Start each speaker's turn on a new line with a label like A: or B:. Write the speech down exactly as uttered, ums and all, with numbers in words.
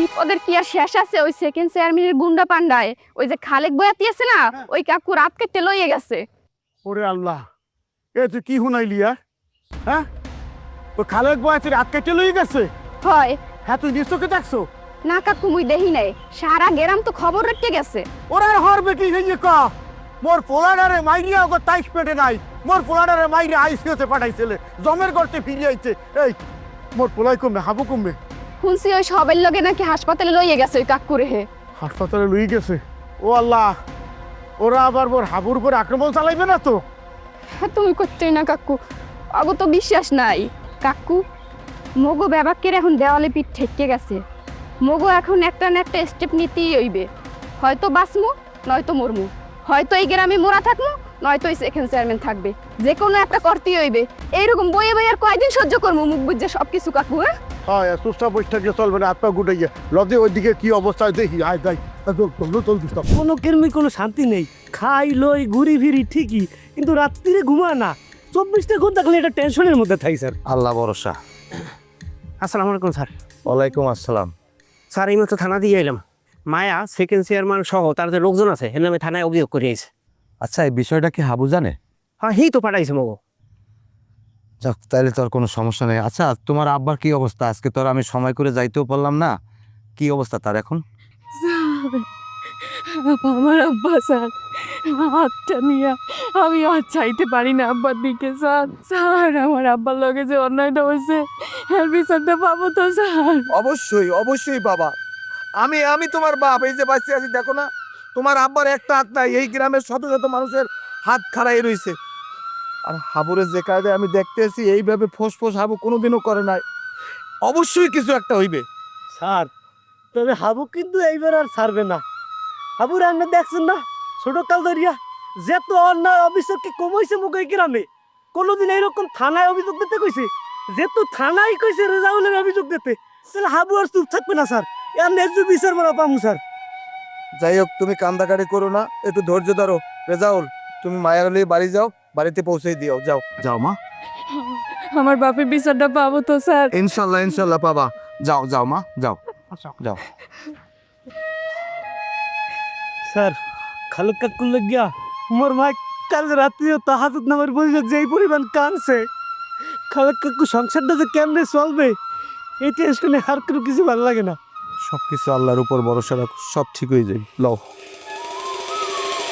A: ওদের কি আর শেষ আছে? ওই সেকেন্ড চেয়ারম্যানের গুন্ডা পান্ডায় ওই যে খালেক বয়াতি আছে না, ওই কাকু রাত কেটে লইয়ে গেছে।
B: ওরে আল্লাহ, এ তুই কি শুনাইলি? হ্যাঁ, ওই খালেক বয়াতি রাত কেটে লইয়ে গেছে?
A: হয়।
B: হ্যাঁ, তুই নিশ্চয়কে দেখছো?
A: না কাকু, মুই দেখি নাই, সারা গেরাম তো খবর রেখে গেছে।
B: ওরা হরবে কি হইয়ে ক মোর পোলাডারে মাইরিয়া ওগো তাইশ পেটে নাই, মোর পোলাডারে মাইরে আইসিওতে পাঠাইছিলে, জমের গর্তে ফিরে আইছে। এই মোর পোলাই কমবে, হাবু কমবে।
A: শুনছি ওই সবের লগে নাকি হাসপাতালে লইয়ে গেছে ওই কাকুরে। হে
B: হাসপাতালে লই গেছে? ও আল্লাহ, ওরা আবার মোর হাবুর উপর আক্রমণ চালাইবে না তো?
A: হ্যাঁ, তুমি করতে না কাকু, আগো তো বিশ্বাস নাই। কাকু, মগো ব্যাবাকের এখন দেওয়ালে পিঠ ঠেকে গেছে। মগো এখন একটা না একটা স্টেপ নিতেই হইবে। হয়তো বাঁচমু, নয়তো মরমু। হয়তো এই গ্রামে মোরা থাকমু, নয়তো এই সেকেন্ড চেয়ারম্যান থাকবে। যে কোনো একটা করতেই হইবে। এইরকম বইয়ে বইয়ে আর কয়দিন সহ্য করবো মুখ বুঝে সব কিছু কাকু? হ্যাঁ
B: হ্যাঁ, সুস্থা বসে থাকলে চলবে না, হাত পা গুটে গিয়ে লদে ওইদিকে কি অবস্থায় দেখি। আয় যাই,
C: কোনো কেরমি কোনো শান্তি নেই, খাই লই ঘুরি ফিরি ঠিকই, কিন্তু রাত্রিরে ঘুমা না। চব্বিশটা ঘন্টা খালি একটা টেনশনের মধ্যে থাকি স্যার।
D: আল্লাহ ভরসা।
C: আসসালামু আলাইকুম স্যার।
D: ওয়ালাইকুম আসসালাম।
C: স্যার এই মতো থানা দিয়ে এলাম। মায়া সেকেন্ড চেয়ারম্যান সহ তার যে লোকজন আছে এর নামে থানায় অভিযোগ করিয়েছে।
D: আচ্ছা, এই বিষয়টা কি হাবু জানে?
C: হ্যাঁ, হেই তো পাঠাইছে মগো।
D: যাক, তাইলে তোর কোনো সমস্যা নেই। আচ্ছা, তোমার আব্বার কি অবস্থা? আজকে তোর আমি সময় করে যাইতেও পারলাম না। কি অবস্থা তার এখন?
E: আমার আব্বা স্যার, হাতটা নিয়ে আমি আর চাইতে পারি না আব্বার দিকে। স্যার স্যার আমার আব্বার লগে যে অন্যায়টা হয়েছে এর বিচারটা পাবো তো স্যার?
D: অবশ্যই অবশ্যই বাবা, আমি আমি তোমার বাপ, এই যে বাঁচিয়ে আছি দেখো না, তোমার আব্বার একটা হাত নাই, এই গ্রামের শত শত মানুষের হাত খাড়াই রয়েছে। আর হাবুরের যে কায়দায় আমি দেখতেছি এইভাবে ফোঁস ফোঁস হাবু কোনোদিনও করে নাই। অবশ্যই কিছু একটা হইবে।
C: স্যার, তবে হাবু কিন্তু এইবার আর ছাড়বে না। হাবু রান্না দেখছেন না, ছোট কাল ধরিয়া যেত অন্যায় অভিযোগ কি কমাইছে মুখ এই গ্রামে। কোনোদিন এইরকম থানায় অভিযোগ দিতে কইছে, যেহেতু থানায় কইছে রেজাউলের অভিযোগ দিতে, তাহলে হাবু আর চুপ থাকবে না স্যার। এর ন্যায্য বিচার মারা পামু স্যার।
D: যাই হোক, তুমি কান্দাকাটি করো না, একটু ধৈর্য ধরো। রেজাউল, তুমি মায়ের নিয়ে বাড়ি যাও, বাড়িতে পৌঁছে দিও। যাও যাও মা।
E: আমার বাপের বিচারটা পাবো তো স্যার?
D: ইনশাল্লাহ ইনশাল্লাহ পাবা। যাও যাও মা, যাও যাও।
C: স্যার, খালুক কাকুর লাগিয়া মোর ভাই কাল রাত্রিও তাহাজুদ নামের পরিবার যেই পরিমাণ কানছে, খালুক কাকু সংসারটা যে কেমনে চলবে এই টেনশনে আর কোনো কিছু ভালো লাগে না।
D: সব কিছু আল্লাহর উপর ভরসা রাখো, সব ঠিক হয়ে যাবে। লও।